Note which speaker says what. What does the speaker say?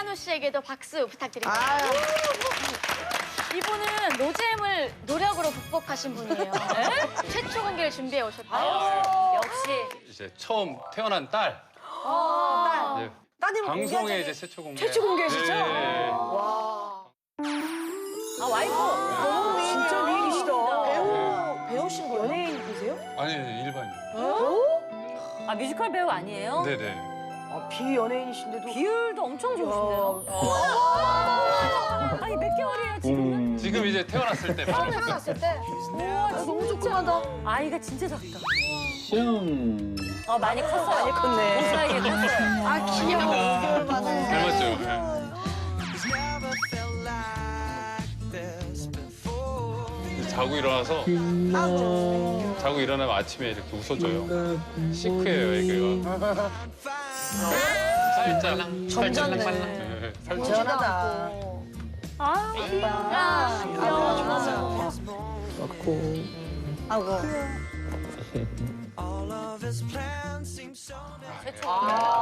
Speaker 1: 이한우 씨에게도 박수 부탁드립니다.
Speaker 2: 아유.
Speaker 1: 이분은 노잼을 노력으로 극복하신 분이에요. 최초 공개를 준비해 오셨대요.
Speaker 3: 역시.
Speaker 4: 이제 처음 태어난 딸.
Speaker 2: 딸.
Speaker 4: 이제
Speaker 2: 따님
Speaker 4: 방송에 이제 최초 공개.
Speaker 2: 최초 공개시죠?
Speaker 4: 네.
Speaker 2: 와.
Speaker 3: 아, 와이프.
Speaker 2: 진짜 미인이시다.
Speaker 5: 배우신 거예요?
Speaker 2: 연예인이세요?
Speaker 4: 아니 일반인.
Speaker 3: 아, 뮤지컬 배우 아니에요?
Speaker 4: 네네.
Speaker 2: 아, 비연예인이신데도.
Speaker 3: 비율도 엄청 좋으신데요? 아니, 몇 개월이에요, 지금은?
Speaker 4: 지금 이제 태어났을 때. 바로
Speaker 5: 태어났을 때.
Speaker 3: 우와,
Speaker 5: 너무 조그마다.
Speaker 3: 아이가 진짜 작다.
Speaker 6: 시험.
Speaker 3: 많이 컸어요.
Speaker 2: 많이 컸네.
Speaker 3: 그 사이에 컸어요.
Speaker 5: 아, 귀여워. 6개월 만에.
Speaker 4: 닮았죠. 자고 일어나서 자고 일어나면 아침에 이렇게 웃어줘요. 시크해요 애기가. 살짝
Speaker 5: 점잖네.
Speaker 4: 네, 살짝.
Speaker 2: 시원하다.
Speaker 3: 아, 귀여워.
Speaker 6: 맞고.
Speaker 2: 아이고.
Speaker 3: 최초.